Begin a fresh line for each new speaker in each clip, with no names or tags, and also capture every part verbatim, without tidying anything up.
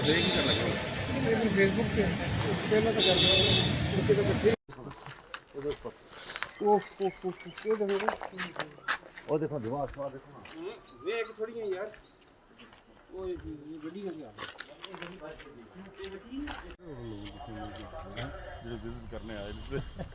ਕੀ ਕਰਨਾ ਚਾਹੁੰਦੇ
ਫੇਸਬੁੱਕ ਤੇ ਪਹਿਲਾਂ ਤਾਂ ਕਰਦੇ ਉਹ ਤਾਂ ਇਕੱਠੇ ਉਹ ਉਹ ਉਹ ਦੇਖੋ
ਉਹ ਦੇਖੋ ਦਿਮਾਗ ਸਵਾ ਦੇਖੋ ਨਾ
ਵੇਖ ਥੋੜੀਆਂ ਯਾਰ
ਉਹ ਗੱਡੀ ਕਰ ਗਿਆ
ਜਿਹੜੇ ਵਿਜ਼ਿਟ ਕਰਨੇ ਆਏ ਜਿਸ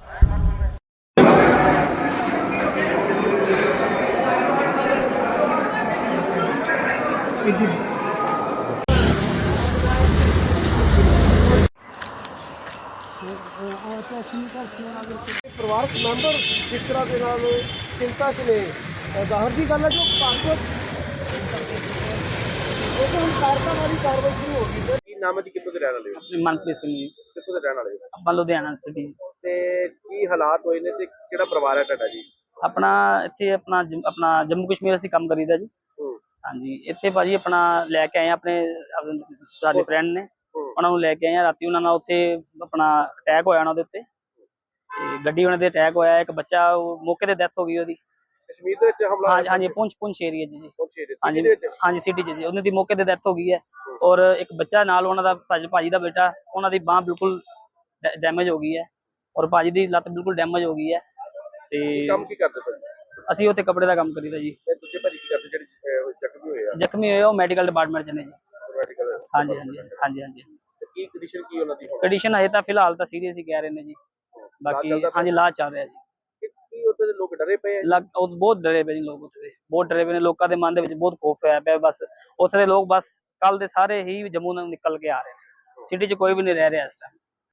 ਪਰਿਵਾਰਕ ਮੈਂਬਰ ਜਿਸ ਤਰ੍ਹਾਂ ਦੇ ਨਾਲ ਚਿੰਤਾ 'ਚ ਨੇ ਜ਼ਾਹਰ ਦੀ ਗੱਲ ਹੈ ਜੋ ਭਾਰਤ ਉਹ ਹੁਣ ਕਾਰਕਾਂ ਵਾਲੀ ਕਾਰਵਾਈ ਸ਼ੁਰੂ ਹੋ ਗਈ ਹੈ।
ਕੀ ਨਾਮ ਹੈ ਜੀ, ਕਿੱਥੋਂ ਦੇ ਰਹਿਣ ਵਾਲੇ ਹੋ?
ਮਨਪ੍ਰੀਤ ਸਿੰਘ ਜੀ,
ਕਿੱਥੋਂ ਦੇ ਰਹਿਣ ਵਾਲੇ ਹੋ
ਆਪਾਂ ਲੁਧਿਆਣਾ ਸਿਟੀ।
ਤੇ ਕੀ ਹਾਲਾਤ ਹੋਏ ਨੇ ਤੇ ਕਿਹੜਾ ਪਰਿਵਾਰ ਹੈ ਤੁਹਾਡਾ ਜੀ?
ਆਪਣਾ ਇੱਥੇ ਆਪਣਾ ਜੰਮ- ਆਪਣਾ ਜੰਮੂ ਕਸ਼ਮੀਰ ਅਸੀਂ ਕੰਮ ਕਰੀਦਾ ਜੀ।
ਹੂੰ
ਹਾਂਜੀ, ਇੱਥੇ ਭਾਜੀ ਆਪਣਾ ਲੈ ਕੇ ਆਏ ਆ ਆਪਣੇ ਆਪਣੇ ਸਾਡੇ ਫਰੈਂਡ ਨੇ, ਉਹਨਾਂ ਨੂੰ ਲੈ ਕੇ ਆਏ ਆ। ਰਾਤੀ ਉਹਨਾਂ ਨਾਲ ਉੱਥੇ ਆਪਣਾ ਅਟੈਕ ਹੋਇਆ ਉਹਨਾਂ ਦੇ ਉੱਤੇ, ਤੇ ਗੱਡੀ ਉਹਨਾਂ ਦੇ ਅਟੈਕ ਹੋਇਆ। ਇੱਕ ਬੱਚਾ ਉਹ ਮੌਕੇ ਤੇ ਡੈਥ ਹੋ ਗਈ ਉਹਦੀ।
ਕਸ਼ਮੀਰ ਦੇ ਵਿੱਚ ਹਮਲਾ
ਹਾਂਜੀ ਹਾਂਜੀ, ਪੁੰਛ ਪੁੰਛ ਏਰੀਆ ਜੀ।
ਪਹੁੰਚੇ ਦੇ
ਹਾਂਜੀ
ਦੇ ਵਿੱਚ
ਹਾਂਜੀ, ਸਿਟੀ ਚ ਜੀ। ਉਹਨਾਂ ਦੀ ਮੌਕੇ ਤੇ ਡੈਥ ਹੋ ਗਈ ਹੈ। ਔਰ ਇੱਕ ਬੱਚਾ ਨਾਲ ਉਹਨਾਂ ਦਾ ਭਾਜੀ ਭਾਜੀ ਦਾ ਬੇਟਾ, ਉਹਨਾਂ ਦੀ ਬਾਂਹ ਬਿਲਕੁਲ ਡੈਮੇਜ ਹੋ ਗਈ ਹੈ, ਔਰ ਭਾਜੀ ਦੀ ਲੱਤ ਬਿਲਕੁਲ ਡੈਮੇਜ ਹੋ ਗਈ ਹੈ। ਤੇ
ਕੰਮ ਕੀ ਕਰਦੇ ਸਰ?
ਅਸੀਂ ਉੱਥੇ ਕੱਪੜੇ ਦਾ ਕੰਮ ਕਰੀਦਾ ਜੀ।
ਤੇ ਦੂਜੇ ਭਾਜੀ ਕੀ ਕਰਦੇ ਜਿਹੜੇ ਅਹ, ਜ਼ਖਮੀ ਹੋਏ ਆ
ਜ਼ਖਮੀ ਹੋਏ ਉਹ ਮੈਡੀਕਲ ਡਿਪਾਰਟਮੈਂਟ ਚ ਨੇ ਜੀ।
ਮੈਡੀਕਲ?
ਹਾਂਜੀ ਹਾਂਜੀ ਹਾਂਜੀ ਹਾਂਜੀ।
ਤੇ ਕੀ ਕੰਡੀਸ਼ਨ ਕੀ ਉਹਨਾਂ ਦੀ ਹੁਣ?
ਕੰਡੀਸ਼ਨ ਹਜੇ ਤਾਂ ਫਿਲਹਾਲ ਤਾਂ ਸੀਰੀਅਸ ਹੀ ਕਹਿ ਰਹੇ ਨੇ ਜੀ। ਬਾਕੀ ਹਾਂਜੀ ਇਲਾਜ ਚੱਲ ਰਿਹਾ ਜੀ।
ਕਿ- ਕੀ ਉੱਥੇ ਦੇ ਲੋਕ ਡਰੇ ਪਏ ਆ?
ਲੱਗ ਉਹ ਬਹੁਤ ਡਰੇ ਪਏ ਨੇ ਲੋਕ ਉੱਥੇ ਦੇ, ਬਹੁਤ ਡਰੇ ਪਏ ਨੇ। ਲੋਕਾਂ ਦੇ ਮਨ ਦੇ ਵਿੱਚ ਬਹੁਤ ਖੌਫ ਹੋਇਆ ਪਿਆ। ਬਸ ਉੱਥੇ ਦੇ ਲੋਕ ਬਸ ਕੱਲ ਦੇ ਸਾਰੇ ਹੀ ਜੰਮੂ ਨੂੰ ਨਿਕਲ ਕੇ ਆ ਰਹੇ ਨੇ। ਸਿਟੀ 'ਚ ਕੋਈ ਵੀ ਨਹੀਂ ਰਹਿ ਰਿਹਾ ਇਸ ਟਾਈਮ।